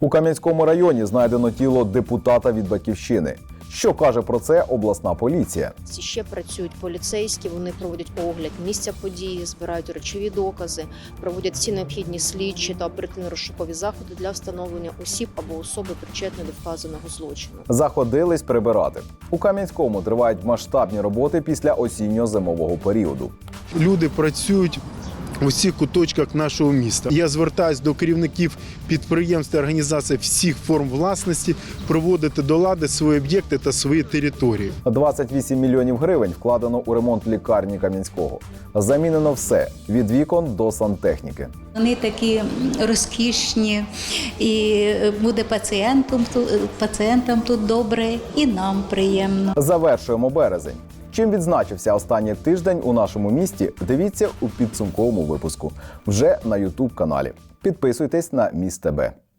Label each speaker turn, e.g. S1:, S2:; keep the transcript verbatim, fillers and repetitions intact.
S1: У Кам'янському районі знайдено тіло депутата від «Батьківщини». Що каже про це обласна поліція?
S2: Ще працюють поліцейські, вони проводять огляд місця події, збирають речові докази, проводять всі необхідні слідчі та оперативно-розшукові заходи для встановлення осіб або особи, причетної до вказаного злочину.
S1: Заходились прибирати. У Кам'янському тривають масштабні роботи після осінньо-зимового періоду.
S3: Люди працюють у всіх куточках нашого міста. Я звертаюся до керівників підприємств та організацій всіх форм власності приводити до лади свої об'єкти та свої території.
S1: двадцять вісім мільйонів гривень вкладено у ремонт лікарні Кам'янського. Замінено все – від вікон до сантехніки.
S4: Вони такі розкішні, і буде пацієнтам, пацієнтам тут добре, і нам приємно.
S1: Завершуємо березень. Чим відзначився останній тиждень у нашому місті, дивіться у підсумковому випуску. Вже на ютуб каналі. Підписуйтесь на Міст ТБ.